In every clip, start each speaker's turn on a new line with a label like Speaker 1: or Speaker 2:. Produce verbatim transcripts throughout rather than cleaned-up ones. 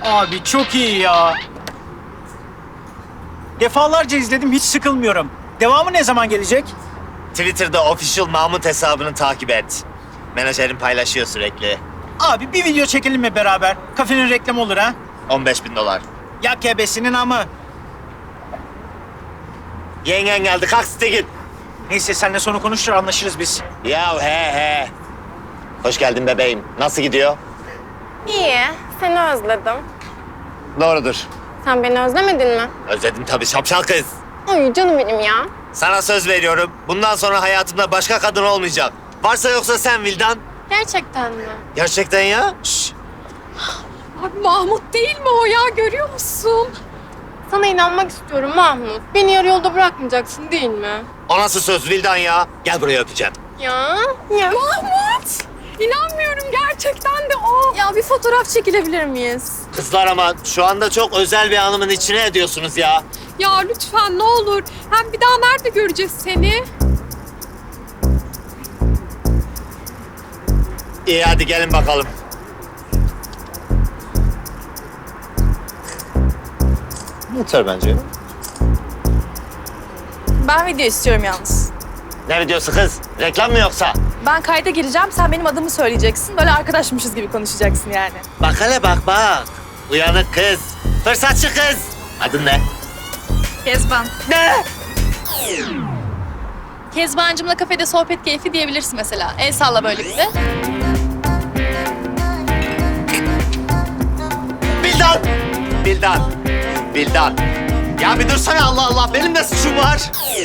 Speaker 1: Abi çok iyi ya. Defalarca izledim, hiç sıkılmıyorum. Devamı ne zaman gelecek?
Speaker 2: Twitter'da official Mahmut hesabını takip et. Menajerim paylaşıyor sürekli.
Speaker 1: Abi bir video çekelim mi beraber? Kafenin reklamı olur ha?
Speaker 2: on beş bin dolar.
Speaker 1: Ya kebesinin amı.
Speaker 2: Yengen geldi, kalk site git.
Speaker 1: Neyse seninle sonra konuşur, anlaşırız biz.
Speaker 2: Ya he he. Hoş geldin bebeğim. Nasıl gidiyor?
Speaker 3: İyi, seni özledim.
Speaker 2: Doğrudur.
Speaker 3: Sen beni özlemedin mi?
Speaker 2: Özledim tabii şapşal kız.
Speaker 3: Ay canım benim ya.
Speaker 2: Sana söz veriyorum. Bundan sonra hayatımda başka kadın olmayacak. Varsa yoksa sen Vildan.
Speaker 3: Gerçekten mi?
Speaker 2: Gerçekten ya. Şş.
Speaker 4: Abi Mahmut değil mi o ya? Görüyor musun?
Speaker 3: Sana inanmak istiyorum Mahmut. Beni yarı yolda bırakmayacaksın değil mi?
Speaker 2: O nasıl söz Vildan ya? Gel buraya öpeceğim.
Speaker 3: Ya. Ya.
Speaker 4: Mahmut! İnanmıyorum, gerçekten de o.
Speaker 3: Ya bir fotoğraf çekilebilir miyiz?
Speaker 2: Kızlar ama şu anda çok özel bir anımın içine ediyorsunuz ya.
Speaker 4: Ya lütfen ne olur. Hem bir daha nerede göreceğiz seni?
Speaker 2: İyi hadi gelin bakalım. Yeter bence.
Speaker 5: Ben video istiyorum yalnız.
Speaker 2: Ne videosu kız? Reklam mı yoksa?
Speaker 5: Ben kayda gireceğim, sen benim adımı söyleyeceksin. Böyle arkadaşmışız gibi konuşacaksın yani.
Speaker 2: Bak hele bak bak. Uyanık kız. Fırsatçı kız. Adın ne?
Speaker 5: Kezban.
Speaker 2: Ne?
Speaker 5: Kezbancımla kafede sohbet keyfi diyebilirsin mesela. El salla böyle bir de.
Speaker 2: Bildan. Bildan. Bildan. Ya bir dursana Allah Allah. Benim de suçum var.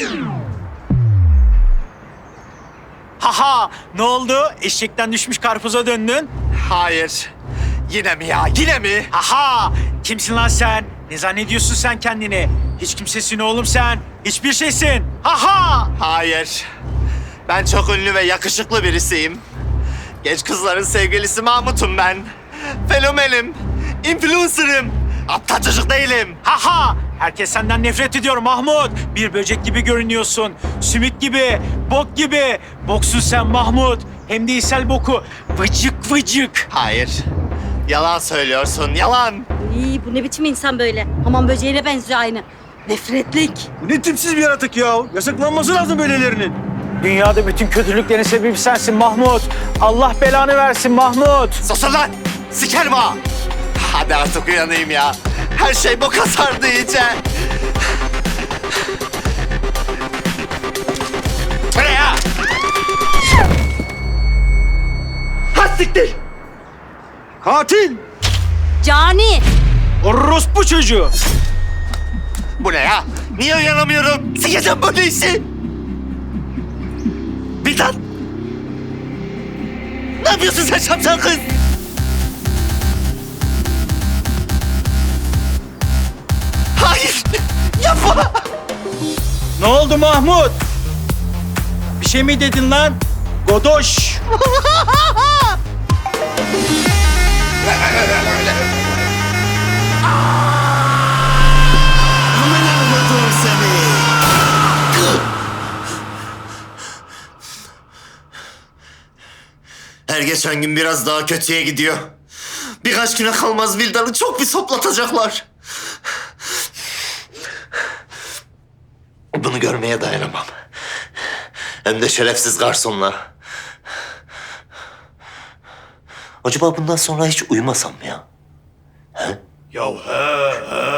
Speaker 1: Haha, ne oldu? Eşekten düşmüş karpuza döndün.
Speaker 2: Hayır. Yine mi ya? Yine mi?
Speaker 1: Haha, kimsin lan sen? Ne zannediyorsun sen kendini? Hiç kimsesin oğlum sen. Hiçbir şeysin. Haha!
Speaker 2: Hayır. Ben çok ünlü ve yakışıklı birisiyim. Genç kızların sevgilisi Mahmut'um ben. Fenomenim. Influencer'ım. Aptal çocuk değilim.
Speaker 1: Haha! Herkes senden nefret ediyor Mahmut. Bir böcek gibi görünüyorsun. Sümük gibi, bok gibi. Boksun sen Mahmut. Hem de ishal boku. Vıcık vıcık.
Speaker 2: Hayır. Yalan söylüyorsun. Yalan.
Speaker 6: İyi, bu ne biçim insan böyle? Hamam böceğine benziyor aynı. Nefretlik.
Speaker 7: Bu ne tipsiz bir yaratık ya. Yasaklanması lazım böylelerinin.
Speaker 1: Dünyada bütün kötülüklerin sebebi sensin Mahmut. Allah belanı versin Mahmut.
Speaker 2: Susun lan. Sikerim ha. Hadi artık uyanayım ya. Her şey boka sardı iyice. Buraya. Ha siktir.
Speaker 7: Katil!
Speaker 6: Cani.
Speaker 1: Orospu çocuğu.
Speaker 2: Bu ne ya? Niye uyanamıyorum? Sikeceğim böyle işi. Bildan. Ne yapıyorsun sen şapşal kız? Hayır. Yapma.
Speaker 1: Ne oldu Mahmut? Bir şey mi dedin lan? Godoş.
Speaker 2: Aman Allah'ım seni. Her geçen gün biraz daha kötüye gidiyor. Birkaç güne kalmaz Vildan'ı çok bir soplatacaklar. Bunu görmeye dayanamam. Hem de şerefsiz garsonla. Acaba bundan sonra hiç uyumasam mı ya? He?
Speaker 1: Ya he he.